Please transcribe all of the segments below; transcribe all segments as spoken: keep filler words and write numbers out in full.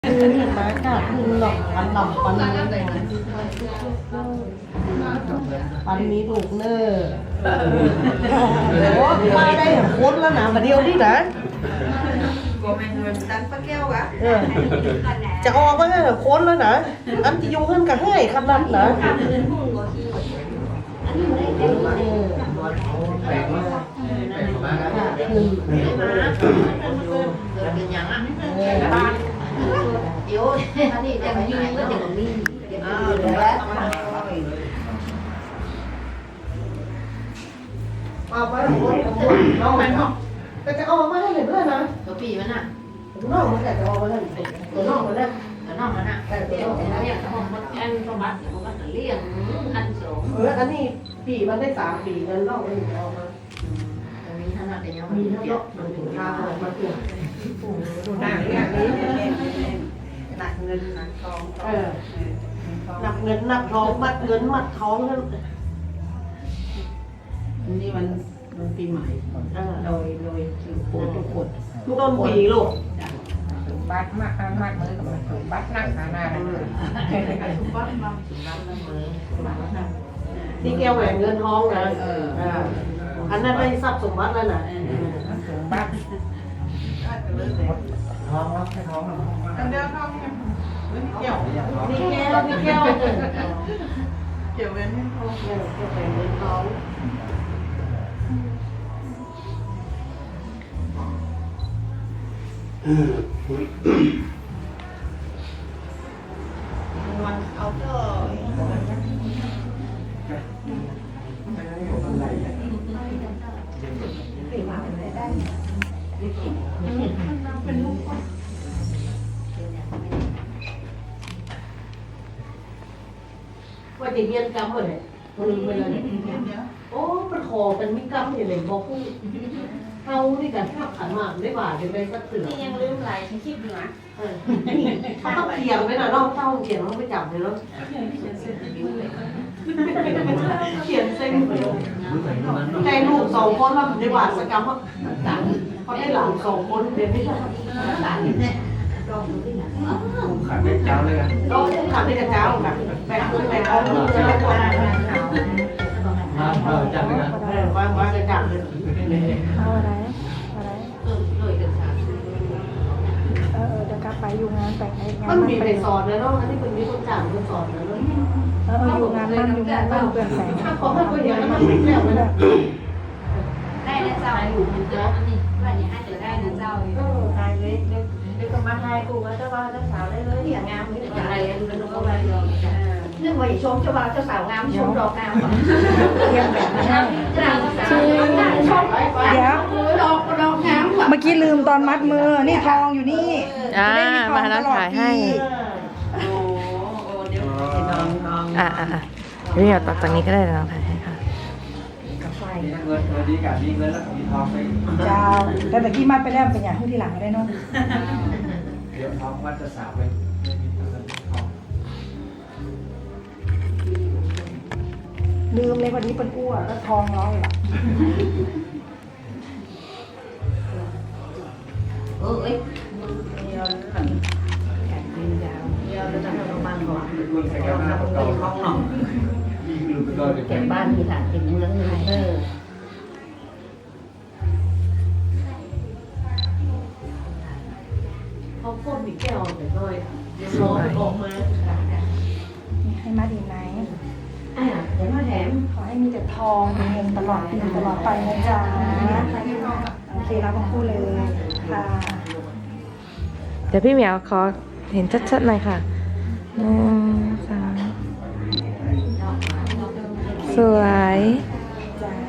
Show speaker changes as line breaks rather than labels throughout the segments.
มากาคือหลอกปันหลอกปันนี้ปันนี้ถูกเนอโอ้มาได้โคตรแล้วนะมาเดียวนี่นะเออจะออกมาให้โคตรแล้วนะอันที่ยุ่งขึ้นกับให้ขนาดนะ
yếu anh đi đem như cái đường đi đấy
เอาไปหมดน้องมันก็จะเอามาให้เห็นด้วยนะ
ตัวปีมันอ่ะ
น้องมันแต่จะเอามาให้ตัวน้องมันได้
ตัวน้องมันอ่ะแต่เดี๋ยวแต่เรียกเขาบอกอันเขาบัดเขาบัดเลี้ยงอันสอง
เอออันนี้ปีมันได้สามปีเงินน้องมันเอามา
มีขนาดเดียว
มีทั้งเนาะมันถึงทางมาเกี่ยวหนักอย่างนี้หนักเงินหนักทองเออหนักเงินหนักทองมัดเงินมัดทองนั่น
นี่มันมันปีใหม่โดยโดยถือโคทุกคน
ทุกต้นปีลูก
ถึงบัตรมากมากมือกับมันถึงบัตรนักหนาหน้าเลยทุกบัตรมาถึงบัตรละมือบัตรละ
นี่แก้วแหวนเงินทองนะเอออันนั้นได้ทรัพย์สมบัติแล้วนะ
ถึงบัตรท้องแล้วแค่ท้องอันเดียวท้องเนี่ยเกี่ยว
นี่แก้วนี่แก้ว
เกี่ยวเว้นให้ท้อง
แก้วแหวนเงินทอง
มันเอาเถอะ
ว่าจะเรียนกรรมเลยลืมไปเลยโอ้เป็นคอเป็นมิกรรมอย่างไรบอกพูดเขานี่กันข้าวขันหมากได้บาทเป็นไปสักเสือ
นี่ยังลืมอะไรฉันคิดอยู่นะ
เขาต้องเขียงไว้หน่อยเนาะเต้าเขียงต้องไปจับเลยเนาะเขียนเส้นใจลูกสองคนแล้วได้บาทสักกรรมเขาได้หลานสองคนเรียนไม่ใช่หลานเนี่ย
ขันได้เจ้าเลยกัน
ก็ทำได้กับเจ้าแบบแบกเงินแบกทองมือจะไม่ควร
มาเออจับเลยกัน
เออวางวางจะจับเลย
เอาอะไรอะไร
เออเลยกันค่ะ
เออเออเดี๋ยวกลับไปอยู่งานแต่งงาน
มันมี
ไป
ไปสอนเลยเนาะอันนี้เป็นมีคนจ่ายคนสอนเลยเนาะ
เออเอออยู่งานบ้านอยู่งานบ้านเปลี่ยนแสง
ถ้าเขาให้คนอย่างนั้นมันไม่แล้วเลย
ได้นะเจ้าอยู่มันเจออันนี้ว่าอย่างให้เจอได้นะเจ้า
ตายเลยเด็กก็มาให้กูว่าเจ้าว่าเจ้าสาวได้เลยที่งามนี่
อย่างไรกันเป็นลูกก็ไปเลย
นึกว่าชมเจ้าบ่าวเจ้าสาวงามชมดอกงาม
เตรียมแบบมาให้
เจ้าสาวชม
เดี๋ยว
ดอกดอกงาม
เมื่อกี้ลืมตอนมัดมือนี่ทองอยู่นี่
อ่า
จะได้มีทอง
มา
ต
แล้ว
ลอด
ถ่ายให้
ปี
โอ้โอ้เดี๋ยวน้องน้อง
อ่าอ่าพี่เหมียวตัดตรงนี้ก็ได้นะน้องถ่ายให้ค่ะ
กาแฟ
เงินเงินดีกับดีเงินแล้วมีทองไป
เจ้าแต่ตะกี้มัดไปแล้วเป็นอย่างที่ทีหลังก็ได้เนาะ
เดี๋ยวทองวัดจะสาวไปไม่มีเงินทอง
ลืมเลยวันนี้เป็นอ้วนแล้วทองร้อยละ
เออเอ้ย
เดียวหลังแขนยืนยาวเดียวจะทำประมาณก่อน
รวมใส่กันหน้าประกอบห้องหนองมีคือไปก่อน
แก่บ้านมีฐานติดเมืองมีเออ
เขาพ่นมีแก้วแต่น้อยรอออกมา
ให้มัดอีกไหม
อ่าเดี๋ยวมาแถม
ขอให้มีแต่ทองมีเงินตลอดปีตลอดไปนะจ๊ะโอเครับทั้งคู่เลยค่ะ
เดี๋ยวพี่เหมียวขอเห็นชัดๆหน่อยค่ะหนึ่งสามสวย
จ้า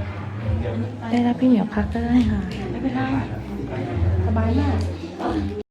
ได้รับพี่เหมียวพักก็ได้ค่ะ
สบายมาก